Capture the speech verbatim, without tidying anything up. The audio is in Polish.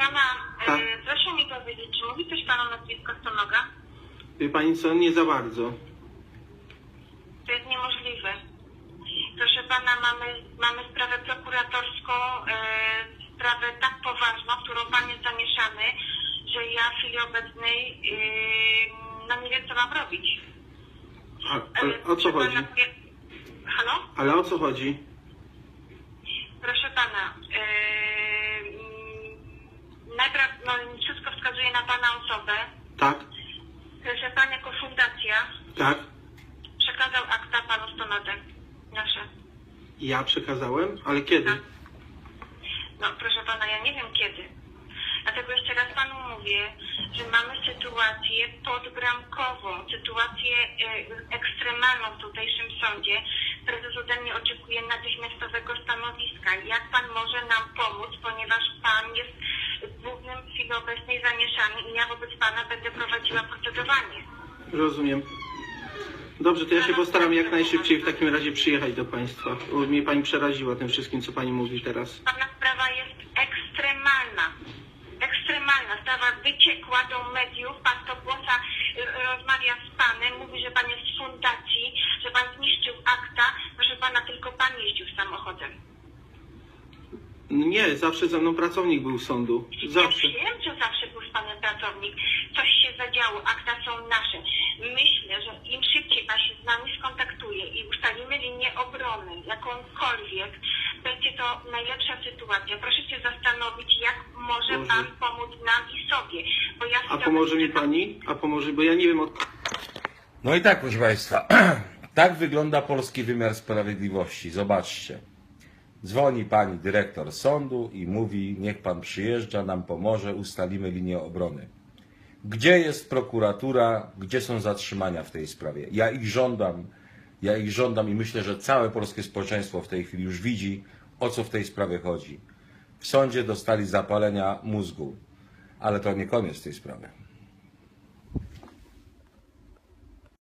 pana, Tak. e, proszę mi powiedzieć, czy mówi coś pan o nazwisku Stonoga? Wie pani co, nie za bardzo. To jest niemożliwe. Proszę pana, mamy, mamy sprawę prokuratorską, e, sprawę tak poważną, w którą pan jest zamieszany, że ja w chwili obecnej e, no nie wiem, co mam robić. A, ale o co Proszę chodzi? pana, ja- Halo? Ale o co chodzi? Proszę pana, yy, najpierw no, wszystko wskazuje na pana osobę, Tak, że pan jako fundacja tak. przekazał akta panu Stonodze nasze. Ja przekazałem? Ale kiedy? Tak. No proszę pana, ja nie wiem kiedy. Dlatego jeszcze raz panu mówię, że mamy sytuację podbramkową, sytuację y, ekstremalną w tutejszym sądzie. Prezes ode mnie oczekuje natychmiastowego stanowiska. Jak pan może nam pomóc, ponieważ pan jest w głównym w chwili obecnej zamieszany i ja wobec pana będę prowadziła procedowanie. Rozumiem. Dobrze, to ja się postaram jak najszybciej w takim razie przyjechać do państwa. Bo mnie pani przeraziła tym wszystkim, co pani mówi teraz. Pana sprawa jest ekstremalna. Ekstremalna. Sprawa wyciekła do mediów. Pan to głosa y, rozmawia z panem, mówi, że pan jest z fundacji, że pan zniszczył akta. Proszę pana, tylko pan jeździł samochodem. Nie, zawsze ze mną pracownik był sądu. Zawsze. Ja wiem, że zawsze był z panem pracownik. Coś się zadziało, akta są nasze. Myślę, że im szybciej pan się z nami skontaktuje i ustalimy linię obrony, jakąkolwiek, będzie to najlepsza sytuacja. Proszę się zastanowić, jak może Boże. pan pomóc nam i sobie. Bo ja A pomoże mi pani? A pomoże, bo ja nie wiem od... No i tak, proszę Państwa, tak wygląda polski wymiar sprawiedliwości. Zobaczcie. Dzwoni pani dyrektor sądu i mówi, niech pan przyjeżdża, nam pomoże, ustalimy linię obrony. Gdzie jest prokuratura, gdzie są zatrzymania w tej sprawie? Ja ich żądam, ja ich żądam i myślę, że całe polskie społeczeństwo w tej chwili już widzi, o co w tej sprawie chodzi. W sądzie dostali zapalenia mózgu, ale to nie koniec tej sprawy.